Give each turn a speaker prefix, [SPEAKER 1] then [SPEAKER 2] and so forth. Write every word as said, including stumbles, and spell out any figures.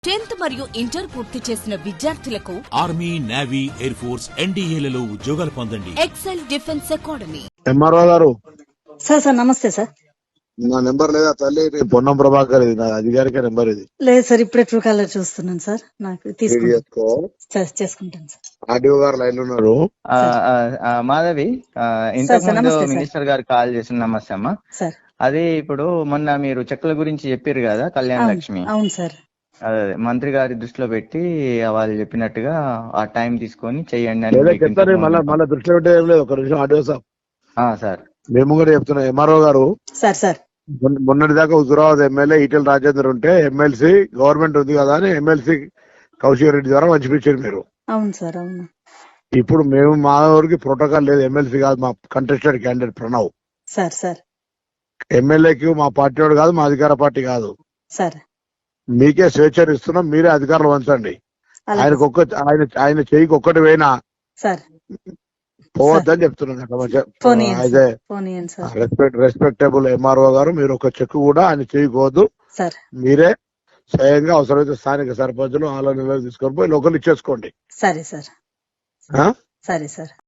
[SPEAKER 1] Tenth మరియు inter పూర్తి చేసిన విద్యార్థులకు
[SPEAKER 2] ఆర్మీ, నేవీ, ఎయిర్ ఫోర్స్, ఎన్డీఏలలో ఉద్యోగాలు పొందండి.
[SPEAKER 1] Excel Defence Academy.
[SPEAKER 3] ఎంఆర్ఓ గారు
[SPEAKER 4] సార్ సార్ నమస్తే సార్.
[SPEAKER 3] నా నెంబర్ లేదా తల్లి? పొన్నం ప్రభాకర్, ఇది నా అధికారిక నెంబర్. ఇది
[SPEAKER 4] లేదు సార్, ఇప్పుడే ట్రూ కాలర్ చూస్తున్నాను సార్. నాకు
[SPEAKER 3] ఇది
[SPEAKER 4] తీసుకుంటాను
[SPEAKER 3] చేసుకో.
[SPEAKER 4] సార్, చేసుకుంటాను సార్.
[SPEAKER 3] ఆర్డీఓ గారు లైన్ లో ఉన్నారు.
[SPEAKER 5] ఆ, ఆ, ఆ, మాధవి, ఆ, ఇంతకు
[SPEAKER 4] సార్,
[SPEAKER 5] ముందు
[SPEAKER 4] నమస్తే సార్.
[SPEAKER 5] మినిస్టర్ గారు కాల్ చేసిన నమస్తే అమ్మా.
[SPEAKER 4] సార్
[SPEAKER 5] అది ఇప్పుడు మొన్న మీరు చెక్కుల గురించి చెప్పారు కదా, కళ్యాణ
[SPEAKER 4] అవును
[SPEAKER 5] లక్ష్మి.
[SPEAKER 4] అవును సార్.
[SPEAKER 5] అదే అదే, మంత్రి గారి దృష్టిలో పెట్టి వాళ్ళు చెప్పినట్టుగా ఆ టైం తీసుకొని చెయ్యండి అని
[SPEAKER 3] లేదా
[SPEAKER 5] మీకు
[SPEAKER 3] చెప్తాను.
[SPEAKER 5] ఇంతకు
[SPEAKER 3] మళ్ళీ
[SPEAKER 5] ముందు-
[SPEAKER 3] మళ్ళీ దృష్టిలో పెట్టే ఏం లేదు. ఒక నిమిషం ఆర్డీఓ సార్,
[SPEAKER 5] ఆ, సార్
[SPEAKER 3] మేము కూడా చెప్తున్నాం. ఎంఆర్ఓ గారు
[SPEAKER 4] సార్ సార్
[SPEAKER 3] మొన్న- మొన్నటి దాకా హుజురాబాద్ ఎమ్మెల్యే ఈటెల రాజేందర్ ఉంటే ఎమ్మెల్సీ గవర్నమెంట్ ఉంది కదా అని ఎమ్మెల్సీ కౌశిక్ రెడ్డి ద్వారా పంచిపించారు మీరు.
[SPEAKER 4] అవును సార్ అవును.
[SPEAKER 3] ఇప్పుడు మేము మా ఊరికి ప్రోటోకాల్ లేదు. ఎమ్మెల్సీ కాదు, మా contested candidate Pranav.
[SPEAKER 4] Sir sir
[SPEAKER 3] ఎమ్మెల్యేకి మా పార్టీ వాడు కాదు, మా అధికార పార్టీ కాదు.
[SPEAKER 4] సార్
[SPEAKER 3] మీకే స్వేచ్ఛ ఇస్తున్నాం, మీరే అధికారులు వంచండి.
[SPEAKER 4] అలాగే
[SPEAKER 3] ఆయనకు ఒక్క ఆయన ఆయన చెయ్యికి ఒక్కటి పోయినా
[SPEAKER 4] సార్.
[SPEAKER 3] పోవద్దని చెప్తున్నాను.
[SPEAKER 4] పోనీ
[SPEAKER 3] అయితే
[SPEAKER 4] పోనీ సార్.
[SPEAKER 3] రెస్పెక్ట్ రెస్పెక్టబుల్ ఎంఆర్ఓ గారు, మీరు ఒక చెక్ కూడా ఆయన చేయకూడదు.
[SPEAKER 4] సార్
[SPEAKER 3] మీరే స్వయంగా అవసరమైతే స్థానిక సర్పంచులు ఆలో నిలవ తీసుకొని పోయి లోకల్ ఇచ్చేసుకోండి.
[SPEAKER 4] సరే సార్
[SPEAKER 3] ఆ?
[SPEAKER 4] సరే సార్.